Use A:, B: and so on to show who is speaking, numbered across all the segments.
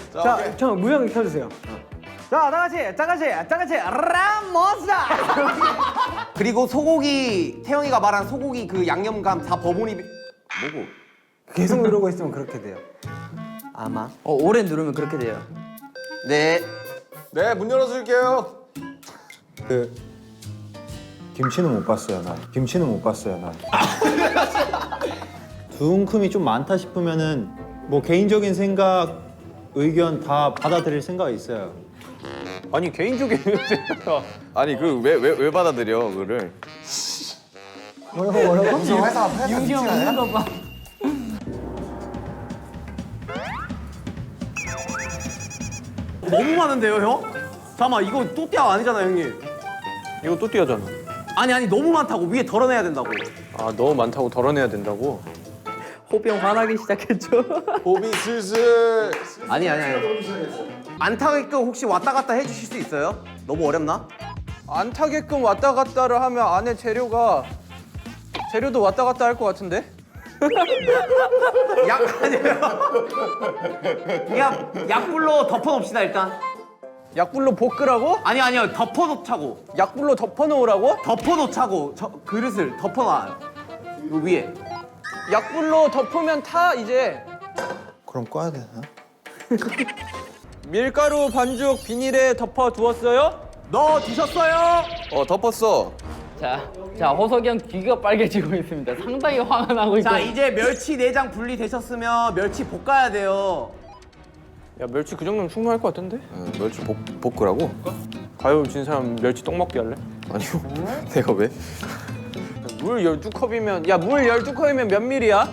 A: 자, 저 무형 켜주세요. 자, 다 같이 라모사.
B: 그리고 소고기 태영이가 말한 소고기 그 양념감 다 버무리 뭐고?
A: 계속 누르고 있으면 그렇게 돼요. 아마.
C: 오래 누르면 그렇게 돼요.
B: 네.
D: 네, 문 열어줄게요.
E: 그 김치는 못 봤어요 난. 김치는 못 봤어요 난. 두 움큼이 좀 많다 싶으면은 뭐 개인적인 생각, 의견 다 받아들일 생각이 있어요.
D: 아니 개인적인 아니 그 왜 받아들여 그거를?
A: 뭐라고?
C: 윤기 형 웃는 거 봐.
B: 너무 많은데요, 형? 잠깐만, 이거 또띠아 아니잖아, 형님.
D: 이거 또 띄어잖아.
B: 아니 너무 많다고 위에 덜어내야 된다고.
D: 아 너무 많다고 덜어내야 된다고?
C: 호비 형 화나기 시작했죠.
D: 호비 슬슬.
B: 아니. 안 타게끔 혹시 왔다 갔다 해주실 수 있어요? 너무 어렵나?
F: 안 타게끔 왔다 갔다를 하면 안에 재료도 왔다 갔다 할 것 같은데?
B: 약불로 덮어놓읍시다 일단.
F: 약불로 볶으라고?
B: 아니요, 덮어놓자고.
F: 약불로 덮어놓으라고?
B: 덮어놓자고. 저 그릇을 덮어놔요. 요 위에.
F: 약불로 덮으면 타 이제.
E: 그럼 꺼야 되나?
F: 밀가루 반죽 비닐에 덮어 두었어요?
B: 넣어 두셨어요?
D: 덮었어.
C: 자, 호석이 형 귀가 빨개지고 있습니다. 상당히 화가 나고 있고.
B: 자, 이제 멸치 내장 분리되셨으면 멸치 볶아야 돼요.
F: 야 멸치 그 정도면 충분할 것 같은데?
D: 멸치 볶으라고?
F: 가위바위보 진 사람 멸치 떡 먹기 할래?
D: 아니요. 내가 왜?
F: 물 12컵이면 물 12컵이면 몇 밀이야?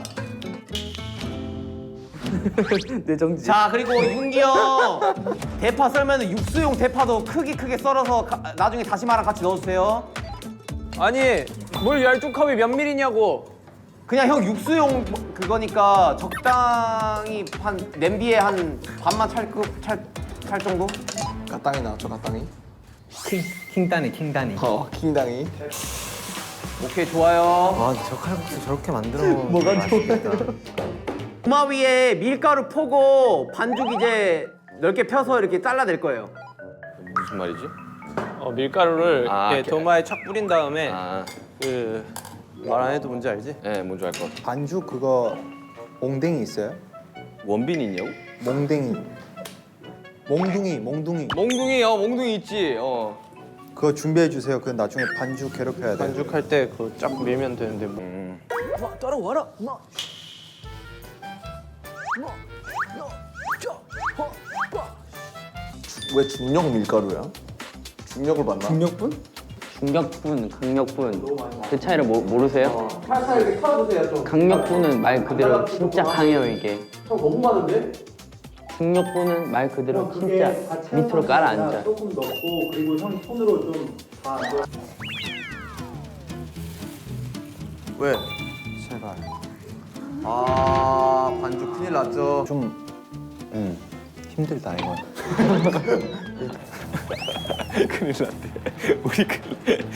C: 내 정지.
B: 자, 그리고 윤기 형 대파 썰면 육수용 대파도 크게 썰어서 나중에 다시마랑 같이 넣어주세요.
F: 아니 물 12컵이 몇 밀이냐고.
B: 그냥 형 육수용 그거니까 적당히 한 냄비에 한 반만 찰 정도?
D: 가땅이 나왔죠, 가땅이?
A: 킹단이.
D: 킹당이.
B: 오케이, 좋아요.
A: 아, 저 칼국수 저렇게 만들어. 뭐가 좋아?
B: 도마 위에 밀가루 포고 반죽 이제 넓게 펴서 이렇게 잘라낼 거예요.
D: 무슨 말이지?
F: 밀가루를
D: 아,
F: 이렇게 도마에 착 뿌린 다음에
D: 그
F: 말 안 해도 뭔지 알지?
D: 네, 뭔지 알 것 같아.
E: 반죽 그거 몽댕이 있어요?
D: 원빈이 있냐고?
E: 몽댕이. 몽둥이.
F: 몽둥이 있지.
E: 그거 준비해 주세요. 그 나중에 반죽 괴롭혀야 돼.
F: 반죽할 때 그거 쫙 밀면 되는데 뭐.
A: 따라와라.
D: 왜 중력 밀가루야? 중력을 봤나?
A: 중력분?
C: 중력분, 강력분 그 차이를 모르세요?
B: 살살 이렇게 털어주세요, 좀.
C: 강력분은 말 그대로 진짜 강해요 이게.
B: 형 너무 많은데?
C: 중력분은 말 그대로 진짜 밑으로 깔아앉아.
A: 조금 넣고 그리고 형 손으로 좀 다.
B: 왜?
E: 제발.
B: 아, 반죽 큰일 났죠.
E: 좀 힘들다 이건.
D: 큰일 났대. 우리 큰일.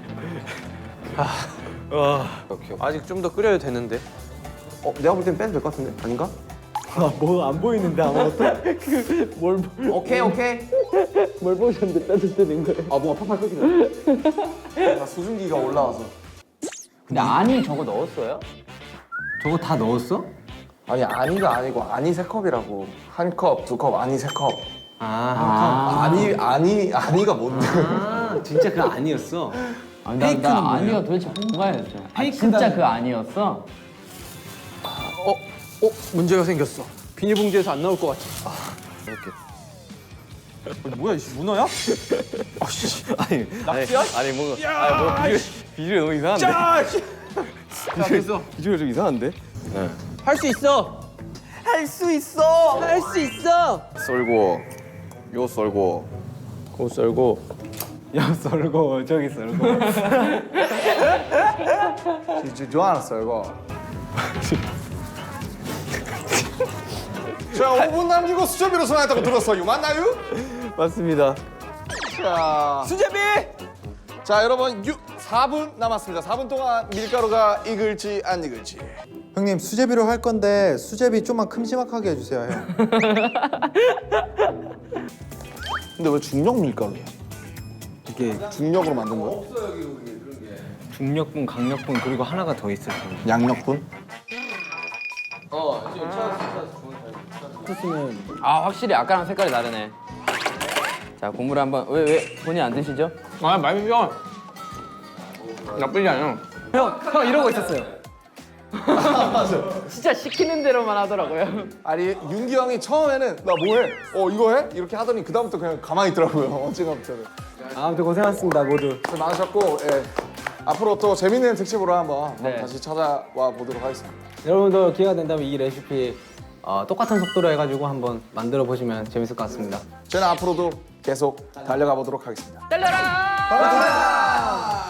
D: 오케이.
F: 아직 좀 더 끓여야 되는데.
B: 내가 볼 땐 빼도 될 것 같은데? 아닌가?
A: 뭐 안 보이는데 아무것도?
B: 오케이.
C: 뭘 보셨는데 빼도 되는 거예요?
B: 아, 뭔가 팍팍 끓이네.
D: 수증기가 올라와서.
C: 근데 아니 저거 넣었어요?
A: 저거 다 넣었어?
D: 아니 아니가 아니고 아니 3컵이라고. 1컵, 2컵, 아니 3컵. 아니가 뭔데?
A: 아, 진짜 그거 아니었어.
C: 아니,
A: 페이크는
C: 나
A: 뭐예요?
C: 아니가 도대체 뭔가였죠.
A: 페이크다.
C: 진짜 그 아니었어?
F: 문제가 생겼어. 비닐봉지에서 안 나올 것 같아. 뭐야, 이 문어야?
D: 아니
F: 낙지야?
D: 아니 뭐 비주얼 너무 이상한데?
F: 자, 됐어.
D: 비주얼 좀 이상한데? 네.
F: 할 수 있어. 할 수 있어.
D: 썰고 요 썰고
F: 고 썰고.
A: 야, 썰고 저기 썰고.
D: 좋아하는 썰고. 자, 5분 남기고 수제비로 전화했다고 들었어요. 맞나요?
F: 맞습니다.
D: 자,
F: 수제비!
D: 자 여러분 4분 남았습니다. 4분 동안 밀가루가 익을지 안 익을지.
E: 형님 수제비로 할 건데 수제비 좀만 큼지막하게 해주세요 형.
D: 근데 왜 중력 밀가루야?
A: 이게
D: 중력으로 만든 거야?
G: 중력분, 강력분 그리고 하나가 더 있어요.
D: 양력분?
C: 아 확실히 아까랑 색깔이 다르네. 자 국물 한번 왜 본인 안 드시죠?
B: 아 맛있어. 나쁘지 않아.
A: 형 이러고 있었어요.
C: 진짜 시키는 대로만 하더라고요.
D: 아니 윤기 형이 처음에는 나 뭐해? 이거 해? 이렇게 하더니 그다음부터 그냥 가만히 있더라고요. 언젠가부터는.
A: 아무튼 고생하셨습니다 모두.
D: 고생 많으셨고 예. 앞으로 또 재밌는 특집으로 한번
C: 네.
D: 다시 찾아와 보도록 하겠습니다.
G: 여러분도 기회가 된다면 이 레시피 똑같은 속도로 해가지고 한번 만들어 보시면 재밌을 것 같습니다.
D: 저는 앞으로도 계속 달려가 보도록 하겠습니다.
C: 달려라!